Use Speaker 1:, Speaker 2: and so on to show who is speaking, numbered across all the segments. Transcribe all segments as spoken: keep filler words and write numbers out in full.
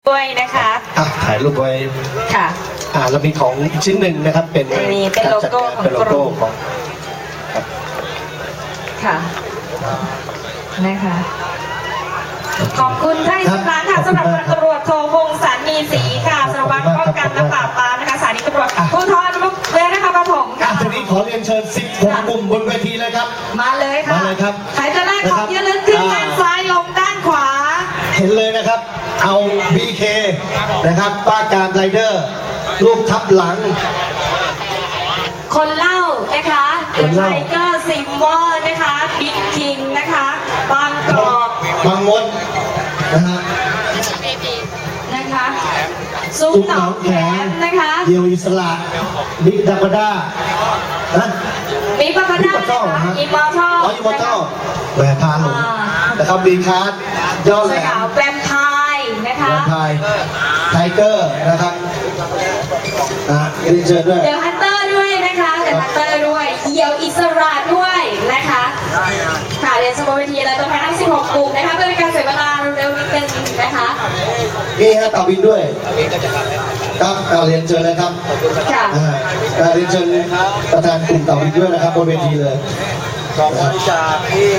Speaker 1: ด้วยนะคะ
Speaker 2: อ่ะถ่ายรูปไว้
Speaker 1: ค่ะ
Speaker 2: อ่าเรามีของชิ้นหนึ่งนะครับเป็น
Speaker 1: มีเป็นโลโก้ของ
Speaker 2: เป็นโลโก้ของ
Speaker 1: ค่ะนะคะขอบคุณท่านสารค่ะสำหรับพันตำรวจโทพงศ์สันมีศรีค่ะสารวัตรป้องกันและปราบปรามนะคะสถานีตำรวจภูธรมุกเรือนะคะปฐมค่ะ
Speaker 2: ทีนี้ขอเรียนเชิญสิบหกกลุ่มบนเวทีเลยครับ
Speaker 1: มาเลยค่ะ
Speaker 2: มาเลยครับ
Speaker 1: ใครจะได้ของที่ระลึกขึ้นด้านซ้ายลงด้านขวา
Speaker 2: เห็นเลยนะครับเอา บี เค นะครับป้าการไรเดอร์รูปทับหลัง
Speaker 1: คนเล่านะคะเดอะไทเกอร์ซิมวอลนะคะบิ๊กคิงนะคะบางกอก
Speaker 2: บางมดนะฮะ
Speaker 1: นะคะซุ้มหนองแขมนะคะ
Speaker 2: เดียวอิสระบิ๊กดักด้านะ
Speaker 1: บิ๊กบัคด้าอิมมอร์ทัล
Speaker 2: อ๋ออิมมอร์ทัลแหวนพาหลงนะครับบีคาร์ดยอดแหลม
Speaker 1: แวมไพร์นะคะ
Speaker 2: แวมไพร์ไทเกอร์นะครับอ่ะเรียนเชิญด้วย
Speaker 1: เดี๋ยวฮันเตอร์ด้วยนะคะเดี๋ยวฮันเตอร์ด้วยเดี่ยวอิสระด้วยนะคะค่ะเรียนสโมวิทีและตัวแทนทั้งสิบหกกลุ่มนะคะเพื่อเป็นการเสียเวลาเร็วนิดนึงนะคะ
Speaker 2: มีฮะต่อบินด้วยครับเรียนเชิญเลยครับ
Speaker 1: ค่ะ
Speaker 2: เรียนเชิญประธานกลุ่มต่อบินด้วยนะครับบนเวทีเลย
Speaker 3: ขอบบริจาคที่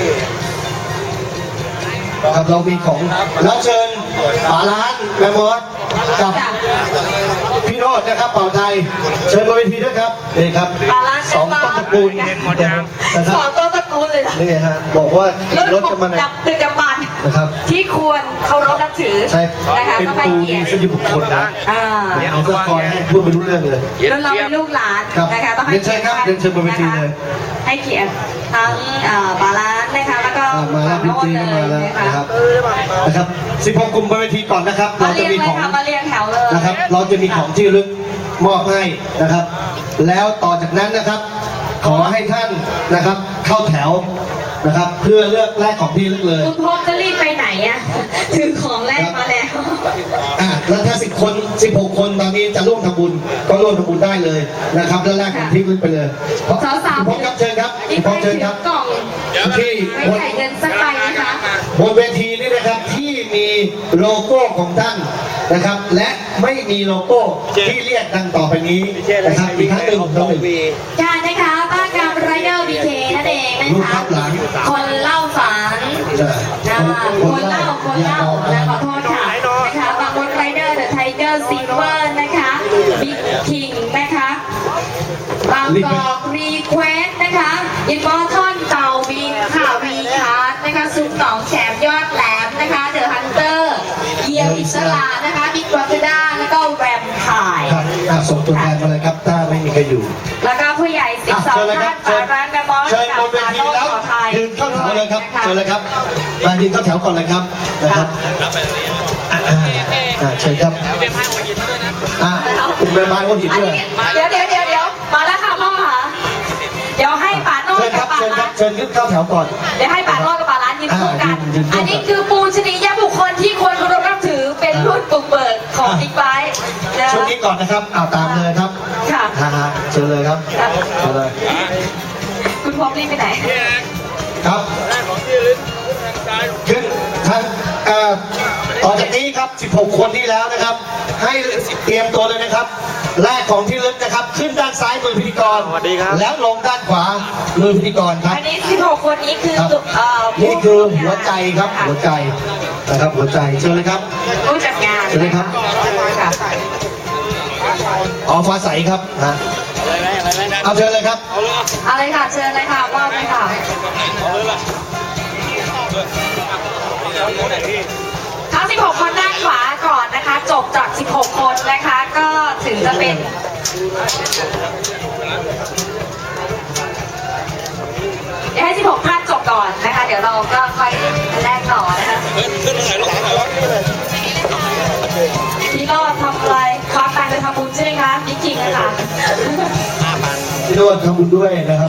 Speaker 2: ครับเรามีของแล้วเชิญป๋าร้านแม่มดกับพี่โรจน์นะครับเป่าไทยเชิญบนเวทีด้วยครับนี่ครับสองต้นตระกูล
Speaker 1: สองต้นตระกูลเลย
Speaker 2: นี่ฮะบอกว่าขี่รถกันมา
Speaker 1: จับตึกจับบัน
Speaker 2: นะครับ
Speaker 1: ที่ควรเคารพนับถือ
Speaker 2: ใช่เป็นครูมีสติบุคคลนะเอาสกอร์ให้พูดไปรู้เรื่องเลย
Speaker 1: แล้วเราเป็นลูกหลานนะคะต้องให้
Speaker 2: เชิญครับเชิญบนเวทีเลย
Speaker 1: ให้เกียรติทั้งบาลานนะคะแล้วก็
Speaker 2: มาแล้วพี่จีก็มาแล้วนะครับนะครับสิบหกกลุ่มบนเวทีก่อนนะครับเราจะมีของ
Speaker 1: มาเรียงแถวเลย
Speaker 2: นะครับเราจะมีของที่ระลึกมอบให้นะครับแล้วต่อจากนั้นนะครับขอให้ท่านนะครับเข้าแถวนะครับเพื่อเลือกแรกของที่ลึกเลย
Speaker 1: คุณพบจะรีบไปไหนอ่ะถือของแรกมาแล้ว
Speaker 2: อ่ะแล้วถ้าสิบคนสิบหกคนตอนนี้จะร่วมทำบุญก็ร่วมทำบุญได้เลยนะครับแล้วแรกของที่ลึกไปเลย
Speaker 1: สาวสาว
Speaker 2: พบครับเชิญครับพบเชิญครับ
Speaker 1: กล่อง
Speaker 2: ที่
Speaker 1: ไม่ใส่เงินสักใบนะคะ
Speaker 2: บนเวทีนี้นะครับที่มีโลโก้ของท่านนะครับและไม่มีโลโก้ที่เรียกดังต่อไปนี้นะครับอีกครั้งหนึ่งต้องหนึ่ง
Speaker 1: การนะคะป้าการไรเดอร์บีเคนั่นเองนะคะคนเล่าฝันคนเล่าคนเล่าขอโทษค่ะนะคะบางคนไรเดอร์เดอะไทเกอร์ซิลเวอร์นะคะบิ๊กคิงนะคะบางกอกรีเควสนะคะอินมอร์ทอนเต่าบินข่าววีคาร์ดนะคะซุปหนองแฉมยอดแหลมนะคะเดอะฮันเตอร์เยียวอิสระนะคะบิ๊กบัคด้าแล้วก็แวมไพร์
Speaker 2: ส่งตัวแทนมาเลยครับถ้าไม่มีใครอยู่
Speaker 1: แล้วก็ผู้ใหญ่สิบสองท่านจากร้านแมมมอส
Speaker 2: เชิญบนเวทีแล้วยืนเข้าแถวเลยครับเชิญเลยครับมายืนเข้าแถวก่อนเลยครับนะครับเชิญครับอ่าคุณแม่บ้านก็หินด้วย
Speaker 1: เดี๋ยวเดี๋ยวเดี๋ยวเดี๋ยวมาแล้วค่ะพ่อค่ะเดี๋ยวให้ป่าโน้ตกับป่าร้าน
Speaker 2: เชิญขึ้นเข้าแถวก่อน
Speaker 1: เดี๋ยวให้ป่าโน้ตกับป่าร้านยืนคู่กันอันนี้คือปูชนียบุคคลที่ควรเคารพนับถือเป็นรุ่นบุกเบิกของบิ๊กไบค์
Speaker 2: ช่วงนี้ก่อนนะครับเอาตามเลยครับ
Speaker 1: ค่ะ
Speaker 2: เชิญเลยครับเชิญเลย
Speaker 1: คุณพร้อมรีบไปไหน
Speaker 2: ครับขึ้นท่านต่อจากนี้ครับสิบหกคนที่แล้วนะครับให้เตรียมตัวเลยนะครับแรกของที่ลึกนะครับขึ้นด้านซ้ายมือพิธีกรแล้วลงด้านขวามือพิธีกรครับ
Speaker 1: อันนี้สิบหกคนนี้คือ
Speaker 2: นี่คือหัวใจครับหัวใจนะครับหัวใจเชิญเลยครับ
Speaker 1: ผู้จัดงาน
Speaker 2: เชิญเลยครับอ๋อฟ้าใสครับนะเอาเชิญเลยครับ
Speaker 1: เอาเลยค่ะเชิญเลยค่ะมอบเลยค่ะทั้งสิบหกคนด้านขวาก่อนนะคะจบจากสิบหกคนนะคะก็ถึงจะเป็นเดี๋ยวให้สิบหกท่านจบก่อนนะคะเดี๋ยวเราก็ค่อยแลกต่อนะคะพี่ก็ทำอะไรควักตังค์ไปทำบุญใช่ไหมคะพี่กิ่งนะคะ
Speaker 2: พี่โน้ตทำบุญด้วยนะครับ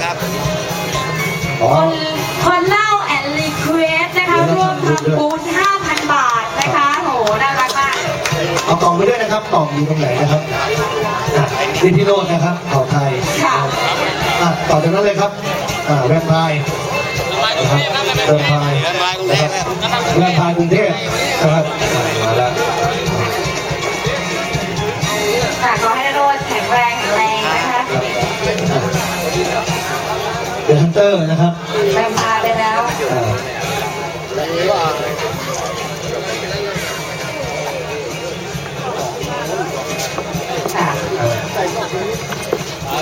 Speaker 1: คนคนเล่าแอนรีเควสนะคะร่วมทำบุญ ห้าพัน บาทนะคะโหน่ารักมาก
Speaker 2: เอากล่องไปด้วยนะครับกล่องอยู่ตรงไหนนะครับนี่พี่โน้ตนะครับเผ่าไทยต่อจากนั้นเลยครับแวมไพร์นะครับแวมไพร์นะครับแวมไพร์กรุงเทพนะครับมาแล้ว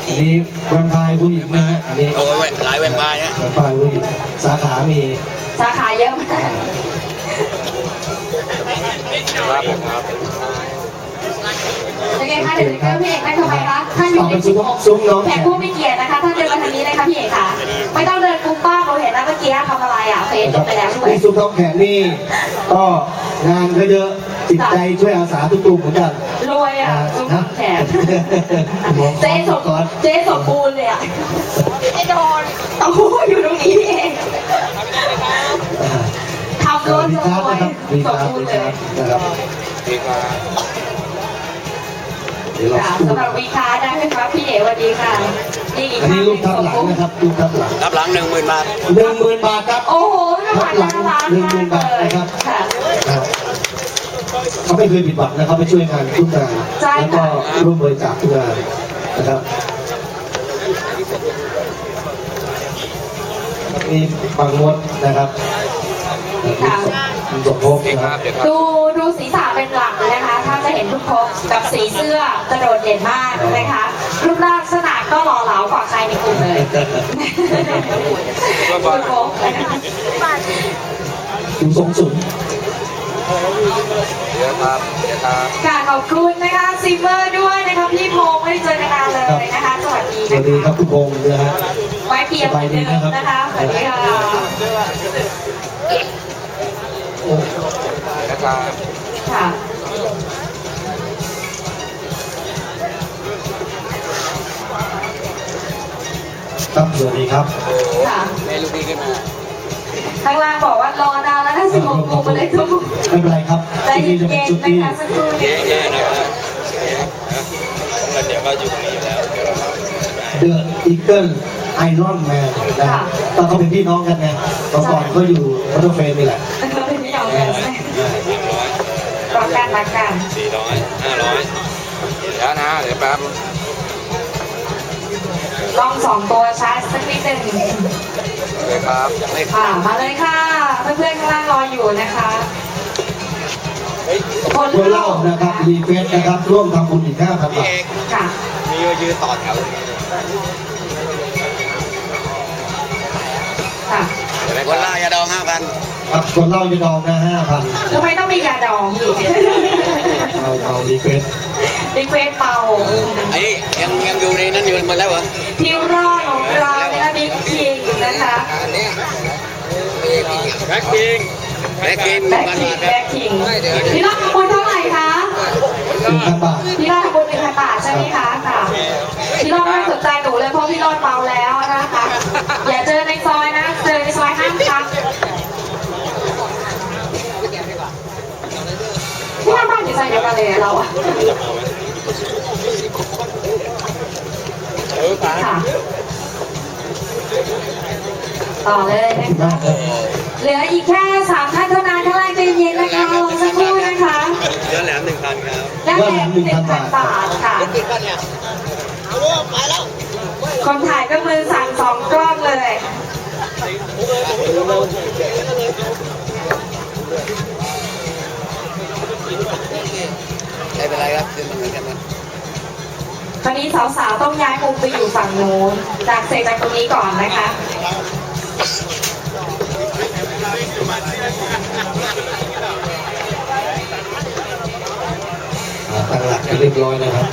Speaker 2: อันนี้แวมไพร์ผู้หญิงนะฮะอันนี้
Speaker 3: โอ้ยหลายแวมไพร์นะ
Speaker 2: แวมไพร์ผู้หญิงสาขามี
Speaker 1: สาขาเยอะมาก
Speaker 3: ครับผมครับ
Speaker 1: เป็นไงคะเดี๋ยวจะเกิดพี่เอกได้ทำไมคะท่านอ
Speaker 2: ต่
Speaker 1: ยู่
Speaker 2: อ
Speaker 1: ใน
Speaker 2: เป็น
Speaker 1: ชุ
Speaker 2: ซุ้
Speaker 1: ด
Speaker 2: มซุ้มน้อง
Speaker 1: แข
Speaker 2: แข
Speaker 1: ก
Speaker 2: ก
Speaker 1: ผู้มีเกียรตินะคะท่านเดินมาทางนี้เลยค่ะพี่เอกค่ะไม่ต้องเดินกลุ้มป้าเราเห็นแล้วเมื่อกี้ทำอะไรอ่ะเฟซจบไปแล้วด้วย
Speaker 2: นี่ซุ้มน้องแขกนี่ก็งานก็เยอะจิตใจช่วยอาสาทุกกลุ่มเหมือนกัน
Speaker 1: รวยอ่ะซุ้ม
Speaker 2: นะ
Speaker 1: แขกเจ๊สมเจ๊สมบูรณ์เลยอ่ะไอ้โดนโอ้โหอยู่ตรงนี้เองทำรถ
Speaker 2: มี
Speaker 1: ร
Speaker 2: การ์ด
Speaker 1: วย
Speaker 2: นะครับมี
Speaker 1: สม
Speaker 2: การ์ด
Speaker 1: บูร
Speaker 2: มี
Speaker 1: ณ์เล
Speaker 2: การ์
Speaker 1: ย
Speaker 2: ดนะครับ
Speaker 3: ดีครับ
Speaker 2: เดี๋ยวเรา
Speaker 1: ค่ะ
Speaker 2: สู้
Speaker 1: สำหรับวีคาร์ได้ไหมครับพี่เอ๋สวัสดีค่ะนี่อีก
Speaker 2: อันนี้
Speaker 1: ท่าน
Speaker 2: รูปทับหลังนะครับรูปทับหลัง
Speaker 3: รับหลังหนึ่งหมื่นบาท
Speaker 2: หนึ่งหมื่นบาทครับ
Speaker 1: โอ้โหไม่ผ่านหน้าร้าน
Speaker 2: หนึ่งหมื่น
Speaker 1: มาก
Speaker 2: บาท
Speaker 1: เลย
Speaker 2: นะครับ
Speaker 1: ค่ะ
Speaker 2: นะครับเขาไม่เคยผิดหวังนะครับไปช่วยงานทุกงาน
Speaker 1: ใช่
Speaker 2: แล้ว
Speaker 1: ค่ะ
Speaker 2: ก็ร่วมบริจาคทุกงานนะครับนี่บางมดนะครับคุณสมภพ
Speaker 3: ดี
Speaker 2: นะ
Speaker 3: ค
Speaker 2: ค
Speaker 3: รั
Speaker 2: รั
Speaker 3: บบ เดี๋ยวครับ
Speaker 1: ดูดูศีรษะเป็นหลักเลยนะคะ ถ้าจะเห็นทุกครบกับสีเสื้อกระโดดเด่นมากนะคะ รูปร่างลักษณะก็หล่อเหลากว่าใครในกลุ่มเลยทุกครบนะคะ
Speaker 2: คุณทรงสุน
Speaker 3: เดี๋ยวครับเดี๋ยวครับ
Speaker 1: ค่ะขอบคุณนะคะซิมเมอร์ด้วยนะคะพี่พงษ์ไม่ได้เจอกันนานเลยนะคะ สวัสดี
Speaker 2: สวั
Speaker 1: นะ
Speaker 2: สดีครั
Speaker 1: คะ
Speaker 2: บทุกคนนะฮะ
Speaker 1: ไว้เพียงเหมือนเดิมนะคะสวัสดีค่ะ
Speaker 2: โอ้
Speaker 3: เดี๋ยวครับ
Speaker 1: ค่ะ
Speaker 2: ครับสวัสดีครับ
Speaker 3: โอ้โห
Speaker 1: ค่ะ
Speaker 3: แม่ลูกพี่ขึ้นมา
Speaker 1: ข้างล่างบอกว่ารอนานแล้วนะสิบหกโมงมาเลยทุกคน
Speaker 2: ไม่เป็นไรครับ
Speaker 1: ใจ
Speaker 2: ที่นี่จะ
Speaker 1: เย็
Speaker 2: เป็น
Speaker 1: น
Speaker 2: ชุด
Speaker 1: ๆ
Speaker 2: ที่
Speaker 1: นะคะสักครู่
Speaker 3: เย
Speaker 1: นี้
Speaker 3: อะๆนะครับแล้วเดี๋ยวก็อยู่ตรงนี้อยู่แล้วเดี๋ยวเรา
Speaker 2: เดอะอีเกิลไอรอนแมนนะตอนเขาเป็นพี่น้องกันไงตอนก่อนเขาอยู่พัตเตอร์เฟรมนี่แหละ
Speaker 1: เราเป็นพี่น้องกันใช่ไหม
Speaker 3: สามร้อย
Speaker 1: รักกันรักกัน
Speaker 3: สี่ร้อยห้าร้อยเดี๋ยวนะเดี๋ยวแป๊บ
Speaker 1: ต้องสองตัวชาร์จสักนิดหนึ่ง
Speaker 3: เลยครับเลข
Speaker 1: ค่ะ มาเลยค่ะ เพื่อนๆข้างล่างรออยู่นะคะ
Speaker 3: เฮ้ย
Speaker 1: คน
Speaker 2: ด้วยเห
Speaker 1: เล่า
Speaker 2: ล่านะครับรีเฟสนะครับร่วมทำบุญอีกห้าพัน
Speaker 3: พี่
Speaker 2: บาท
Speaker 3: เอก
Speaker 1: ค่ะ
Speaker 3: มียืนต่อแถว
Speaker 1: ค่ะ
Speaker 3: เดี๋ยวคนล่ายาดองห้าพัน
Speaker 2: ครับคนเหล่าจะดองนะห้าพัน
Speaker 1: ทำไมต้องมียาดองอีก
Speaker 2: เอาเอารีเฟส
Speaker 1: รีเควสเป่า
Speaker 3: ไอ้ยังยังอยู่ในนั้นอยู่หมดแล้วเหรอ
Speaker 1: ทิวรอดของเรานะคะบิ๊กคิงนะคะ
Speaker 3: อันนี้แบ็คคิงแบ็คคิง
Speaker 1: แบ็ค
Speaker 3: มัน
Speaker 1: คิง
Speaker 3: มาค
Speaker 1: แบ็
Speaker 3: รับ
Speaker 1: คคิงพี่รอดขบวนเท่าไหร่คะ
Speaker 2: หนึ่งพันบาท
Speaker 1: พี่รอดขบวนหนึ่งพันบาทใช่ไหมคะค่ะ พี่รอดไม่สนใจหนูเลยเพราะพี่รอดเมาแล้วนะคะ อย่าเจอในซอยนะ เจอในซอยห้ามทักพี่หน้าบ้านอยู่ซอยเดียวกันเลยอะเราอะ
Speaker 3: เออป๋า
Speaker 1: ค่ะต่อเลยนะ
Speaker 2: มากครับ
Speaker 1: เหลืออีกแค่สามท่านเท่านั้นข้างล่างใจเย็นนะคะรอสักครู่นะคะ
Speaker 3: เดือนแหลมหนึ่งพันครับ
Speaker 1: ด้านแรกหนึ่งพันบาทค่ะ
Speaker 3: ติดกันเนี่ยเอาลูกไปแล้ว
Speaker 1: คนถ่ายก็มือสั่นสองกล้องเลย
Speaker 3: ไม่เป็นไรครับเดือนเหมือนกันนะ
Speaker 1: ตอนนี้สาวๆต้องย้ายมุมไปอยู่ฝั่งโน้นจากเซจากตรงนี้ก่อนนะคะ
Speaker 2: อ่าตั้งหลักกันเรียบร้อยนะครับ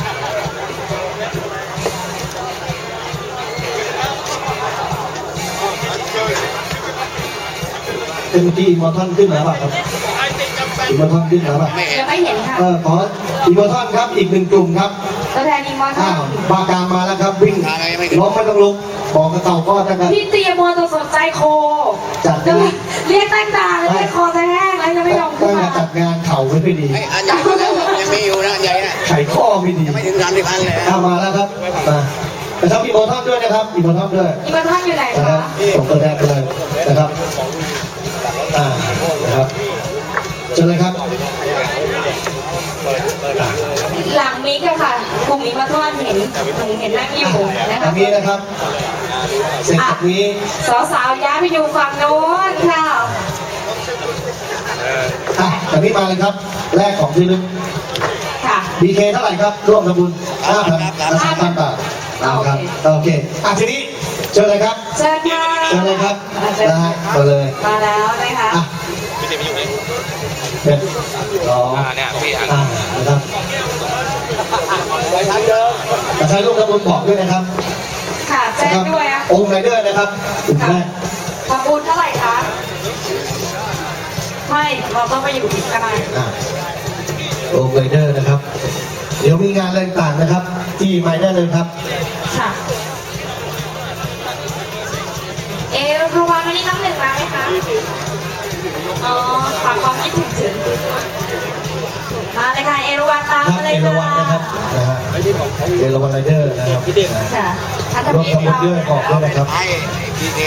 Speaker 2: เป็นเมื่อกี้อิมมอร์ทันขึ้นแล้วป่ะครับอิมมอร์ทันขึ้นแล้วป่ะ
Speaker 3: ไม่เห็น
Speaker 1: ยังไม่เห็นค่ะ
Speaker 2: เออขออิมมอร์ทันครับอีกหนึ่งกลุ่มครับ
Speaker 1: ตัวแทนอีมอน
Speaker 2: อ้าวบากลางมาแล้วครับวิ่งล้มไม่ต้องลุกบอกกระเต่าก็จะกัน
Speaker 1: พี่เตียมัวตัวสนใจโค
Speaker 2: จัด
Speaker 1: เดี๋ยวเรียกตั้งนานเลยเรียกคอจะแห้งแล้วยังไม่ยอมขึ้
Speaker 2: ตั้
Speaker 1: น
Speaker 2: งแต่
Speaker 1: มา
Speaker 2: จัดงานเข่าไม่ค่อยดี
Speaker 3: ไอ้อันใหญ่แล้วยังมีอยู่นะอันใหญ่นะ
Speaker 2: ไข่ข้อไม่ดี
Speaker 3: ไม่ถึงสามสิบอันเลย
Speaker 2: เอามาแล้วครับมานะครับอีโมทอนด้วยนะครับอีโมทอนด้วย
Speaker 1: อีมอนท่านอยู่ไหน
Speaker 2: นะค
Speaker 1: คะ
Speaker 2: รับส่งตัวแทนไปเลยนะครับอ่านะครับเจอเลยครับอ่า
Speaker 1: หลังมิกอะค่ะกลุ่มอีมอนท่านเห็นหนูเห็นนั่งอยู่นะ
Speaker 2: ทา
Speaker 1: คะ
Speaker 2: งนี้นะครับเสร็จจากนี้
Speaker 1: สาวๆย้ายไปอยู่ฝั่งโน้นค่ะ
Speaker 2: อ่ะจากนี้มาเลยครับแรกของที่ลึก
Speaker 1: ค่ะ
Speaker 2: บีเคเท่าไหร่ครับร่วมทำบุญห้าพันสามพันบาทเอาครับ
Speaker 1: โอเค
Speaker 2: โอเคอ่ะทีนี้เชิญเลยครับ
Speaker 1: เชิญค่ะ
Speaker 2: เชิญเลยครับ
Speaker 1: เชิญ
Speaker 2: นะฮะมาเลย
Speaker 1: มาแล้วนะคะ
Speaker 2: อ่ะ
Speaker 3: พี่ติ๋มอยู่นี่
Speaker 2: เป็นสอง
Speaker 3: อ่าเนี่ยพี่อ่าน
Speaker 2: อ่านะครับแต่ใช้ลูกกระบุนบอกด้วยนะครับ
Speaker 1: ค่ะแจ้งด้วยอ่ะ
Speaker 2: องค์ไรเดอร์นะครับกลุ่มแรก
Speaker 1: ทำบุญเท่าไหร่คะไม่เราต้องไปอยู่ที่กัน
Speaker 2: อ่าองค์ไรเดอร์นะครับ เดี๋ยวมีงานอะไรต่างๆนะครับ ที่ไมได้เลยครับ
Speaker 1: ค่ะเอรูวานวันนี้น้ำหนึ่งมาไหมคะอ๋อฝากความคิดถึงถึงมาเลยค่ะเอรูวานตาม
Speaker 2: ครับ
Speaker 1: มาเล
Speaker 2: เอย ราวัณนะครับนะฮะเอราวัณไรเดอร์นะครับ
Speaker 1: ค่ะท่าน
Speaker 2: ร่วม
Speaker 1: ทำ
Speaker 2: ทำบุญด้วยบอกด้วยนะครับ
Speaker 4: ไอ้บีเค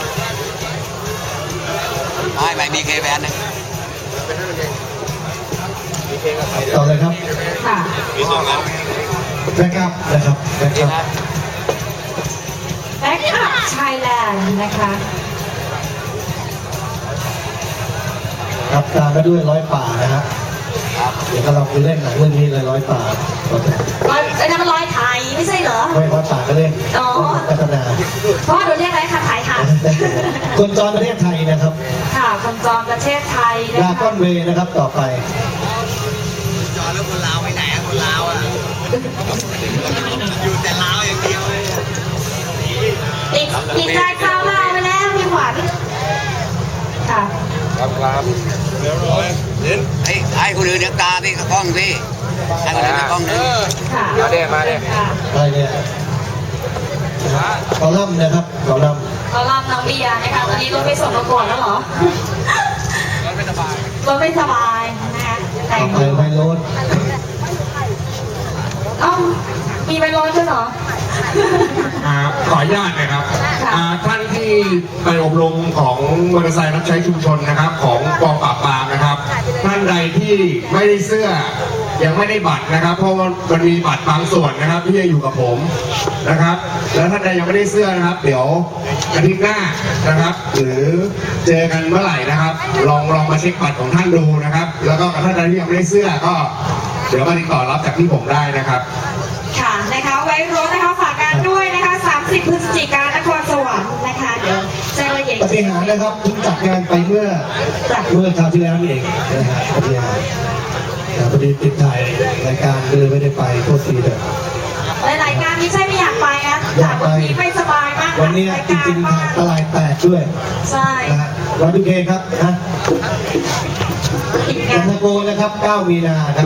Speaker 4: ไอ้ไม่บีเคแบนหนึ่ง
Speaker 2: ต่อเลยครับ
Speaker 1: ค่ะ
Speaker 3: มีสองอัน
Speaker 2: แบ็กอัพนะครับแบ็กอัพ
Speaker 1: แบ็กอัพไทยแลนด์นะคะ
Speaker 2: ครับตามมาด้วยร้อยป่านะฮะเดี๋ยวก็เราไปเล่นหนังเรื่องนี้เลยร้อยป่าต่อจาก
Speaker 1: ร้อยไอ้นั่นมันร้อยไทยไม่ใช่เหรอ
Speaker 2: ไม่ร้อยป่าก็เล่น
Speaker 1: อ๋อ
Speaker 2: พัฒนา
Speaker 1: เพราะว่าเราเรียกอะไรคะไทยค่ะ
Speaker 2: คนจรประเทศไทยนะครับ
Speaker 1: ค่ะคนจอมประเทศไทยนะ
Speaker 2: ลา
Speaker 1: คะ
Speaker 2: ก้อนเวย์นะครับต่อไป
Speaker 4: จอแล้วคนลาวไปไหนอะคนลาวอะอยู่แต่ลาวอย่างเดียวเลย
Speaker 1: ติดติดใจคราวลาวไปแล้วมีหวานค่ะ
Speaker 3: ครับครับเรียบร้อยเล่น
Speaker 4: ไอ้ไอ้คนอื่นเดี๋ยวตาพี่กับกล้องพี่ไอ้คนอื่นกับกล้องนึง
Speaker 1: ค่ะ
Speaker 3: มาเด้มาเด้
Speaker 1: ค่ะ
Speaker 2: อะไรเนี่ยคอลัมน์นะครับคอลัมน์
Speaker 1: เราลำน้องเบียร์นะคะตอนนี้รถไม่ส่งประกวดแล้วเหรอ
Speaker 3: รถไม่สบาย
Speaker 1: รถไม่สบายนะคะแต่
Speaker 2: ต่อง ไปไวโรด
Speaker 1: เอ้ามีไปรถด้วยเหรอ
Speaker 5: อ่าขออนุญาตนะครับ
Speaker 1: ค่ะ
Speaker 5: อ่าท่านที่ไปอบรมของมอเตอร์ไซค์รับใช้ชุมชนนะครับ ของกองปราบปรามนะครับ ท่านใดที่ไม่ได้เสื้อยังไม่ได้บัตรนะครับ เพราะว่ามันมีบัตรบางส่วนนะครับ ที่จะอยู่กับผมนะครับ แล้วท่านใดยังไม่ได้เสื้อนะครับ เดี๋ยวอาทิตย์หน้านะครับ หรือเจอกันเมื่อไหร่นะครับ ลองลองมาเช็คบัตรของท่านดูนะครับ แล้วก็ท่านใดที่ยังไม่ได้เสื้อก็ เดี๋ยวมาติดต่อรับจากที่ผมได้นะครับ
Speaker 1: ค่ะนะคะไว้รถนะคะฝากการด้วยนะคะสามสิบพฤศจิกายนนครสวรรค์นะคะเดี๋ยวแจ้งรายละเอียด
Speaker 2: ปฏิหารย์นะครับเพิ่งจัดงานไปเมื่อเมื่อคราวที่แล้วนี่เองนะฮะปฏิหารย์แต่พอดีติดถ่ายรายการก็เลยไม่ได้ไปโทษทีเถอะ
Speaker 1: หลายๆงานไม่ใช่ไม่อยากไปนะ
Speaker 2: อยากไป
Speaker 1: แต่บางทีไม่สบายมาก
Speaker 2: วันนี้จริงๆ
Speaker 1: มา
Speaker 2: ทางตลาดแตกด้วย
Speaker 1: ใช่
Speaker 2: นะฮะวันดูเคครับนะ
Speaker 1: ติด
Speaker 2: เอ็
Speaker 1: งาน
Speaker 2: นโกนะครับเก้ามีนาครับ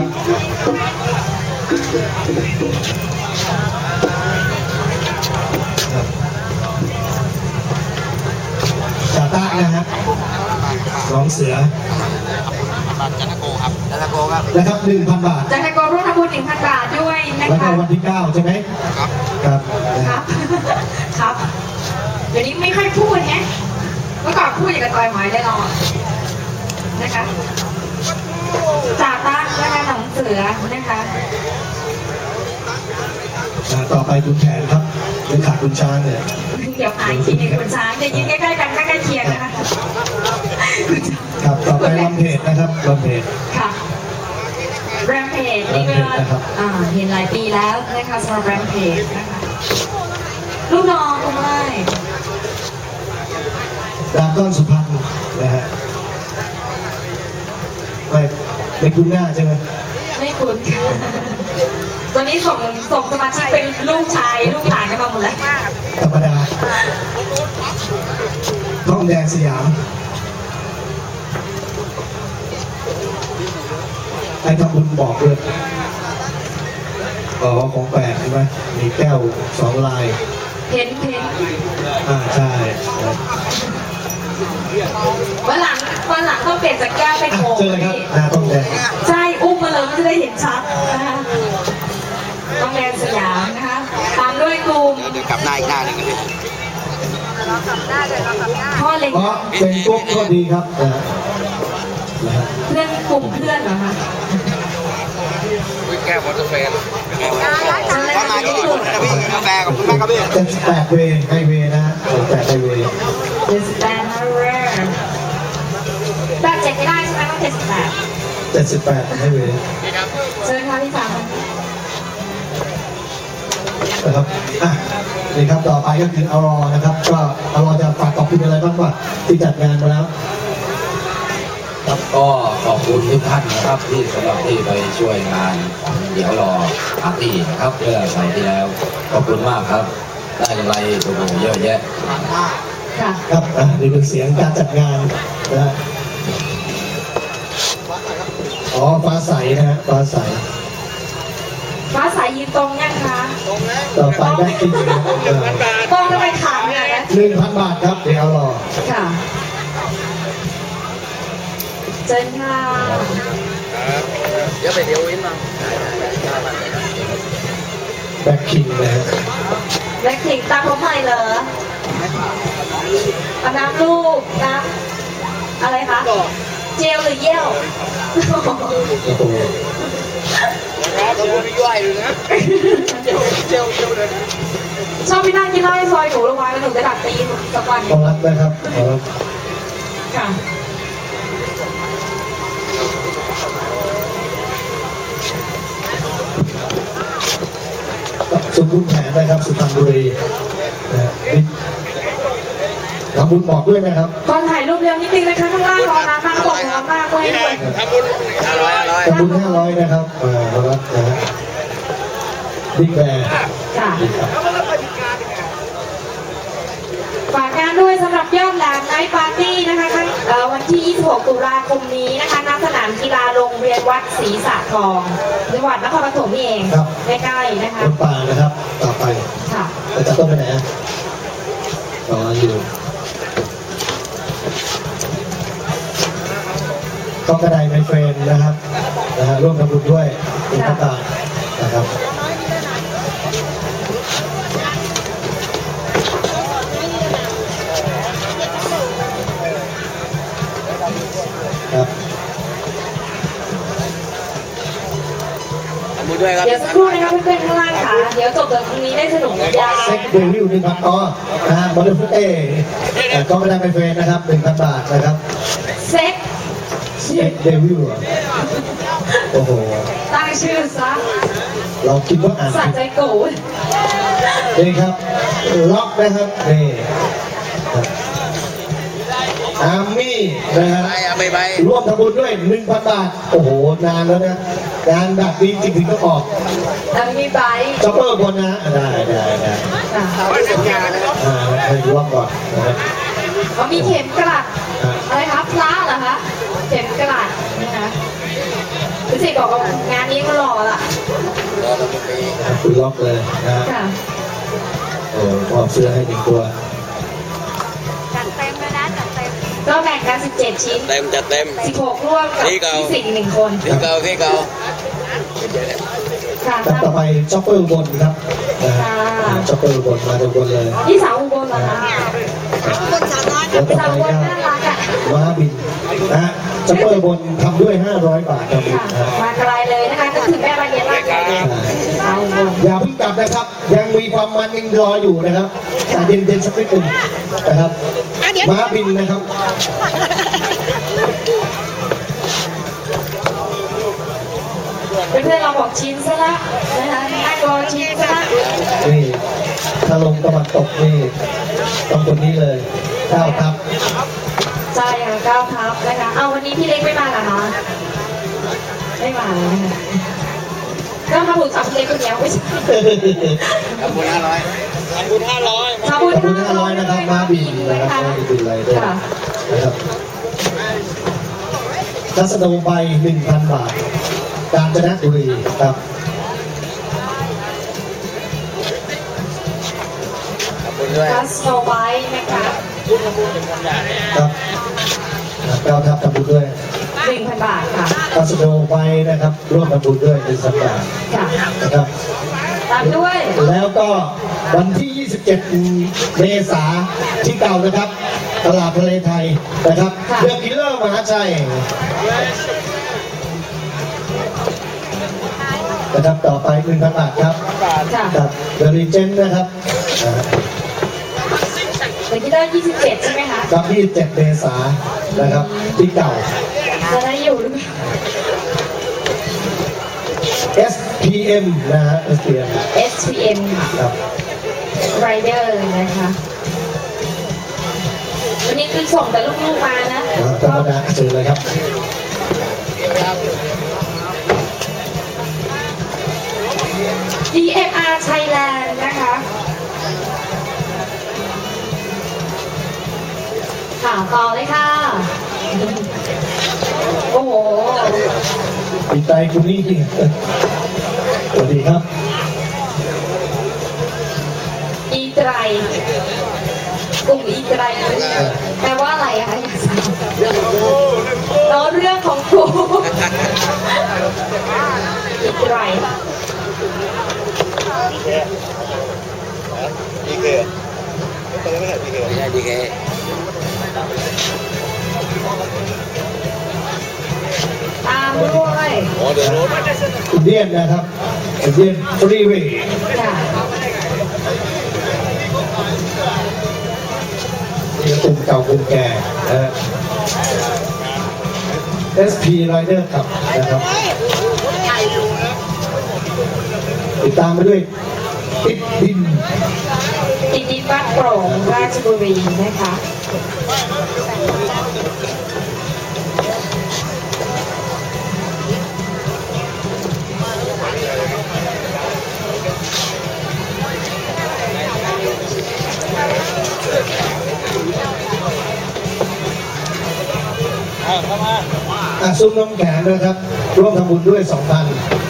Speaker 2: จาต้านะฮะน้องเสือ
Speaker 4: จันทโกครับจันทโกครับ
Speaker 2: นะครับหนึ่งพันบาท
Speaker 1: จะให้กร่วมทำบุญหนึ่งพันบาทด้วยนะ
Speaker 2: แล้วก็
Speaker 1: คะ
Speaker 2: วันที่เก้าใช่ไหม
Speaker 4: ครับ
Speaker 2: ครับนะ
Speaker 1: ค
Speaker 2: ฮะ
Speaker 1: รับ ครับ เดี๋ยวนี้ไม่ค่อยพูดไงเมื่อก่อนพูดอย่างกับต่อยหมอยได้ลองนะคะจ่าตั้งนะคะหนองเสือนะคะ
Speaker 2: อ่าต่อไปคุณแผนครับเป็นขาดคุณช้างเนี่ย
Speaker 1: เดี๋ยวหายทีในคุณช้างจะยืนใกล้ๆกันใกล้ๆเคียงนะคะ
Speaker 2: ครับต่อไปลำเพจนะครับลำเพจ
Speaker 1: ค่ะแรมเพจนี่ก็
Speaker 2: Rampage นะครับ
Speaker 1: อ่าเห็นหลายปีแล้วนะคะสำหรับแรมเพจนะคะลูกน้องคุณไม่
Speaker 2: ดามก้อนสุพรรณนะฮะไม่ไม่คุ้นหน้าใช่ไหม
Speaker 1: ไม่คุ้นค่ะตอนนี้ส่งส่งสมาชิกเป็นลูกชายลูกหลานกันมาหมดแล้ว
Speaker 2: ธรรมดาท้องแดงสยามไอ้ทำบุญบอกเลยอ๋อของแปลกใช่ไหมมีแก้วสองลาย
Speaker 1: เพ้นเพ้น
Speaker 2: อ่าใช่
Speaker 1: วันหลังวันหลังต้องเปลี่ยนจากแก้วเป็น
Speaker 2: อ่ะ
Speaker 1: โอ่ง
Speaker 2: เจอเลยครับหน้าท้องแดง
Speaker 1: ใช่อุ้มมาเลยมันจะได้เห็นชัดนะคะต้องแดนสยามนะคะตามด้วยกลุ่ม
Speaker 4: เดี๋ยวกลับหน้าอีกหน้าหนึ่งกันดิ
Speaker 1: พ่อเล็ก
Speaker 2: เพราะเป็นพวกก็ดีครับนะฮะนะฮะ
Speaker 1: เพื่อนกลุ่มเพื่อนเหรอคะ
Speaker 3: แก้วมอเตอร์แฟน
Speaker 4: ถ้ามาที่นี่คุณนะพี่กาแฟกับคุณแม่ครับพี่
Speaker 2: เจ็ดสิบแปดเวย์ไฮเวย์นะฮะเจ็ดสิบแปดไฮเวย์
Speaker 1: เจ็ดสิบแปดนะเรนแบบเจ็ดไม่ได้ใช่ไหมต้องเจ็ดสิบแปด
Speaker 2: เจ็ดสิบแปดไฮเวย์
Speaker 1: เชิญค่ะพี่สาว
Speaker 2: คนะครับอ่ะนี่ครับต่อไปก็คืออรอนะครับ ก็อรอจะฝากขอบคุณอะไรบ้างว่าที่จัดงานมาแล้ว
Speaker 3: ครับก็ขอบคุณทุกท่านนะครับที่สำหรับที่ไปช่วยงานเดี๋ยวรอปาร์ตี้นะครับเมื่อเสาร์ที่แล้วขอบคุณมากครับ ได้อะไรตัวเยอะแยะ
Speaker 1: ค่ะ
Speaker 2: ครับอ่ะนี่เป็นเสียงการจัดงานนะฮะอ๋อฟ้าใสนะฮะฟ้าใส
Speaker 1: ฟ้าสายยืนตรงยังคะ
Speaker 2: ต่อไปได้กินนะ
Speaker 1: ตรงทำไมขาวเนี่ยนะ
Speaker 2: หนึ่งพันบาทครับเดี๋ยวรอ
Speaker 1: ค่ะเชิญค่ะ
Speaker 4: เดี๋ยวไปเดี๋ยววินมา
Speaker 2: แบ็คคิงนะฮะ
Speaker 1: แบล็คพิงค์ตามผมหน่อยเหรอเอาน้ำลูกน้ำอะไรคะ เจลหรือเยี่ยว
Speaker 2: โอ้โห
Speaker 4: เราไม่ย่อยเลยนะเจียวเจียวเจียวเลย
Speaker 1: ชอบพี่นั่งกินเหล้าในซอยหนูระวังแล้วหนูจะดักตีนสักวัน
Speaker 2: ต้องรับนะครับขอรับ
Speaker 1: ค่ะ
Speaker 2: สมบูรณ์แผนนะครับสุพรรณบุรีนะฮะนี่ทำบุญบอกด้วยนะครับ
Speaker 1: ตอนถ่ายรูปเร็วนิดนึงนะคะข้างล่างรอน้ำมากกว่าร้อนมากเลยด้วย
Speaker 4: ทำบุญอร่อยอร่อย
Speaker 2: ทำบุญห้าร้อยนะครับอ่าขอรับนะฮะบิ๊กแบร์
Speaker 1: ค่ะฝากงานด้วยสำหรับยอดแหลมไนท์ปาร์ตี้นะคะครั้งเอ่อวันที่ ยี่สิบหก ตุลาคมนี้นะคะณสนามกีฬาโรงเรียนวัดศรีสะทองจังหวัดนครปฐมนี่เองใกล้ๆนะคะ
Speaker 2: รถป่านะครับ ต่อไป
Speaker 1: ค่ะ
Speaker 2: เราจะต้องไปไหนอ่ะรออยู่ก็กระไดไมเฟรนนะครับนะฮะร่วมทำบุญด้วยเป็นพระตานะครับครับ
Speaker 4: ทำบุญด้วยครับ
Speaker 1: เดี๋ยวสักครู่นะคะเพื่อนๆข้างล่างค่ะ เดี๋ยวจบจากตรงนี้ได้สนุกยาว
Speaker 2: เซ็กเดวิลหนึ่งพันอ๋อนะฮะบอลลูนฟุตเต้เอ่อก็กระไดไมเฟรนนะครับหนึ่งพันบาทนะครับ
Speaker 1: เซ็ก
Speaker 2: เซ็กเดวิลเหรอโอ้โห
Speaker 1: ตั้งชื่อซะ
Speaker 2: เราคิดว่าอ่าน
Speaker 1: สะ
Speaker 2: ผิด
Speaker 1: ใจโกรธ
Speaker 2: นี่ครับล็อกนะครับนี่ครับอาร์มี่นะฮะ
Speaker 4: ไปเอาไปไป
Speaker 2: ร่วมทำบุญด้วยหนึ่งพันบาทโอ้โหนานแล้วนะงานแบบนี้จริงๆต้องออก
Speaker 1: แล้วมีไบค์
Speaker 2: จ็อปเปอร์บนนะได้ได้ได้
Speaker 1: ค่ะ
Speaker 4: เอาไปเสร็จงานนะครับ
Speaker 2: อ่าให้ดูว่าก่อนนะครับ
Speaker 1: อ๋อมีเข็มกลัด
Speaker 2: อ่า
Speaker 1: อะไรคะพระเหรอคะเข็มกลัดนะคะรู้สึกบอกว่างานนี้ก็หล่อละ
Speaker 4: รอเราไปปี
Speaker 2: คุณล็อกเลยนะฮะ
Speaker 1: ค่ะ
Speaker 2: โอ้มอบเสื้อให้หนึ่งตัว
Speaker 1: ก็แบ่งกันสิบเจ็ดชิ้น
Speaker 4: เต็มจัดเต็ม
Speaker 1: สิบหกร่วมกับ
Speaker 4: นี่เก่า
Speaker 1: พี่สิงห์หนึ่งคน
Speaker 4: ที่เก่าที่เก่า
Speaker 1: ค่ะ
Speaker 2: แล้วต่อไปจ็อปเปอร์บนครับนะฮะจ็อปเปอร์บนมาทุกคนเลย
Speaker 1: พี่สาวอุบลเหรอคะ
Speaker 2: แล้วต่อ
Speaker 1: สาว
Speaker 2: ไป
Speaker 1: อุบล
Speaker 2: ก็
Speaker 1: น่ารักอ่ะ
Speaker 2: ม้าบินนะฮะจ็อปเปอร์บนทำด้วยห้าร้อยบาทครับ
Speaker 1: ค่ะ
Speaker 2: นะฮะ
Speaker 1: มาไกลเลยนะคะนึกถึงแม่บานเย็นมากเลยสาวอุบล
Speaker 2: อย่าเพิ่งกลับนะครับ ยังมีความมันยังรออยู่นะครับแต่เย็นๆสักนิดหนึ่งนะครับม้าบินนะครับ
Speaker 1: เพื่อนๆเราบอกชิ้นซะละนะคะน่ากลัวชิ้นซะละ
Speaker 2: นี่ถ้าลงตะวันตกนี่ต้องคนนี้เลยเก้าทับ
Speaker 1: ใช่ค่ะเก้าทับนะคะเอาวันนี้พี่เล็กไม่มาเหรอคะไม่มาเลยนะคะก็ทำบุญสามเล็กคนเดียวไม่ใช่
Speaker 4: ทำบุญห้าร้อยทำบุญห้าร้อย
Speaker 1: ทำ
Speaker 2: ข
Speaker 1: บุ
Speaker 2: อบ
Speaker 1: ญ
Speaker 2: คุณห้าร้อยนะครับม้าบินนะครับม้าบินอะไรด้วย
Speaker 1: ค่ะ
Speaker 2: นะครับทัศนมไปหนึ่งพันบาท กาญจนบุรีครับ
Speaker 4: ทำบุญด้วย
Speaker 1: คัสโนไวท์นะคะ
Speaker 2: ครับเก้าทับทำบุญด้วย
Speaker 1: หนึ่งพันบาทค่ะ
Speaker 2: ทัศนมไปนะครับ ร่วมทำบุญด้วยเป็นสัปดาห์
Speaker 1: ค่ะ
Speaker 2: นะครับ
Speaker 1: ตามด้วย
Speaker 2: แล้วก็วันที่ ยี่สิบเจ็ด เมษาที่เก่านะครับ ตลาดทะเลไทยนะครับเรื่องกิลเลอร์มหาชัยนะครับต่อไปหนึ่งพันบาทครับ
Speaker 1: ค่ะ
Speaker 2: กับเดอะรีเจนนะครับอ่า
Speaker 1: เดี๋ยวที่ได้ยี่สิบเจ็ดใช่ไหมคะ
Speaker 2: กับยี่สิบเจ็ด เมษานะครับที่เก่า
Speaker 1: จะได้อยู่หรือเปล่า
Speaker 2: เอส เคพี เอ็ม นะฮะ เอส พี เอ็ม
Speaker 1: เอส พี เอ็ม
Speaker 2: ครับ
Speaker 1: Rider นะคะ วันนี้คือส่งแต่ลูกๆมานะ
Speaker 2: ธรรมดาเจอเลยครับ
Speaker 1: ดี เอ็ม อาร์ Thailand นะคะ ค่ะต่อเลยค่ะ โอ้โห
Speaker 2: ดีใจคุณนี่จริงสวัสดีครับ
Speaker 1: อีไตรกลุ่มอีไตรแปลว่าอะไรอะคะอยากทราบแล้วเรื่องของครูอีไตร
Speaker 4: ดีเคไม่ใช่ดีเคไม่ใช่ดีเค
Speaker 1: ตามด้วย
Speaker 4: โอ้เดี๋ยวรู้
Speaker 2: อินเดียนนะครับอินเดียนฟรีเวย์
Speaker 1: ค่ะ
Speaker 2: นี่กลุ่มเก่ากลุ่มแก่นะฮะ เอส พี Rider ครับนะครับติดตามไปด้วยติดดิน
Speaker 1: ติดดินบ้านโปร่งราชบุรีนะคะ
Speaker 2: อ่ะซุ้มน้ำแข็งนะครับ ร่วมทำบุญด้วย สองพัน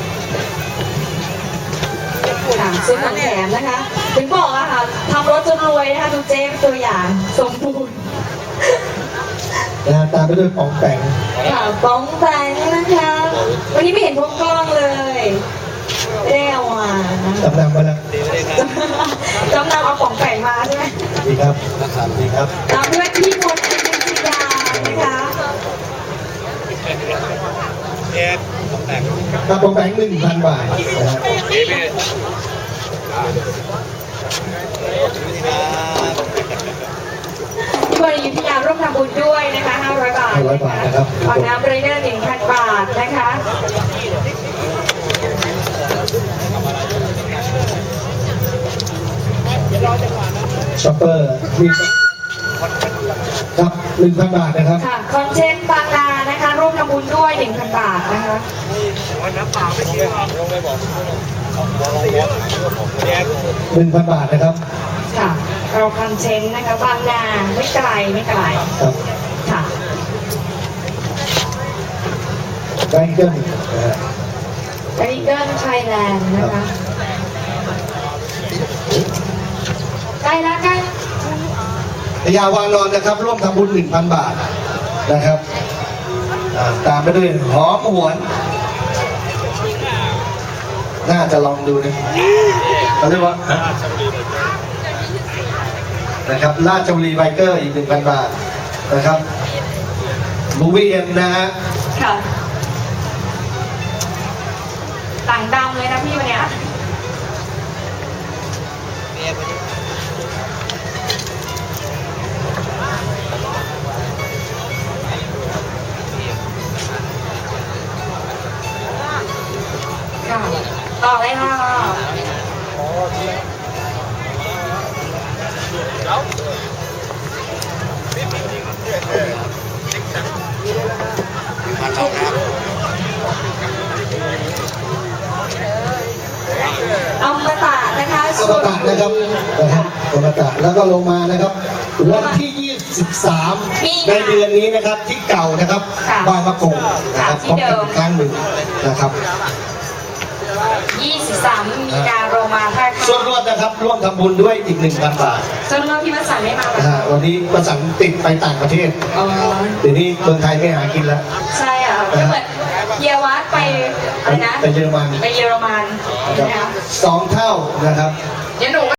Speaker 1: ค่ะซื้อของแถมนะคะ ถึงบอกอะค่ะทำรถจนรวยนะคะดูเจ๊เป็นตัวอย่างสมบูรณ์
Speaker 2: นะฮะตามไปด้วยปองแปง
Speaker 1: ค่ะป้องแปงนะคะ วันนี้ไม่เห็นพวกกล้องเลยไม่ได้เอามานะ
Speaker 2: จำนำมาแล้ว
Speaker 1: จำนำเอาของแปงมาใช่ไหม
Speaker 2: ดีครับดีครับ
Speaker 1: ตามด้วยพี่มนต์อยุธยานะคะ
Speaker 2: ถ้าปองแปงหนึ่งพันบาทนะฮะ
Speaker 1: พี่มนต์อยุธยาร่วมทำบุญด้วยนะคะห้าร้อยบาท
Speaker 2: ห้าร้อยบาทนะครับ
Speaker 1: ฝากน้ำไรเดอร์หนึ่งพันบาทนะคะ
Speaker 2: ช็อปเปอร์มีครับหนึ่งพันบาทนะครับ
Speaker 1: ค่ะ คอนเทนต์บางนานะคะ ร่วมทำบุญด้วยหนึ่งพันบาทนะคะ
Speaker 2: หนึ่งพันบาทนะครับ
Speaker 1: ค่ะ เราคอนเทนต์นะคะ บางนาไม่ไกลไม่ไกล
Speaker 2: ครับ
Speaker 1: ค่ะ
Speaker 2: แบงเกิลนะฮะ
Speaker 1: ไอเกิลไทยแลนด์นะคะใกล้แล้วใกล้
Speaker 2: พยาวานอนนะครับ ร่วมทำบุญหนึ่งพันบาทนะครับอ่าตามไปด้วยหอมหวน น่าจะลองดูนะเขาเรียกว่านะครับราชบุรีไบเกอร์อีกหนึ่งพันบาทนะครับบูวีเอ็มนะฮะ
Speaker 1: ค่ะ ต่างดำเลยนะพี่วันเนี้ยค่ะต่อเลยค่ะ
Speaker 4: พันสองครับ
Speaker 1: เอามาตานะคะ
Speaker 2: อมตะนะครับนะครับอมตะแล้วก็ลงมานะครับ วันที่ยี่สิบสามในเดือนนี้นะครับที่เก่านะครับบางมะกงนะครับพบกันอีกครั้งหนึ่งนะครับ
Speaker 1: ยี่สิบสามมีนาโรมาท่า
Speaker 2: ส่วน
Speaker 1: ข้าม
Speaker 2: รวมนะครับร่วมทำบุญด้วยอีกหนึ่งพันบาท
Speaker 1: ส่วนเรื่องที่วัดสันไม่มา
Speaker 2: นะฮะวันนี้ประสันติดไปต่างประเทศ
Speaker 1: อ๋อ
Speaker 2: เดี๋ยวนี้เมืองไทยไม่หากินแล้ว
Speaker 1: ใช่อ่ะก็เหมือนเยาวัดไปอะไรนะ
Speaker 2: ไปเยอรมัน
Speaker 1: ไปเยอรมัน
Speaker 2: นะครับ
Speaker 1: นะคะ
Speaker 2: สองเท่านะครับ
Speaker 1: เดี๋ยวหนู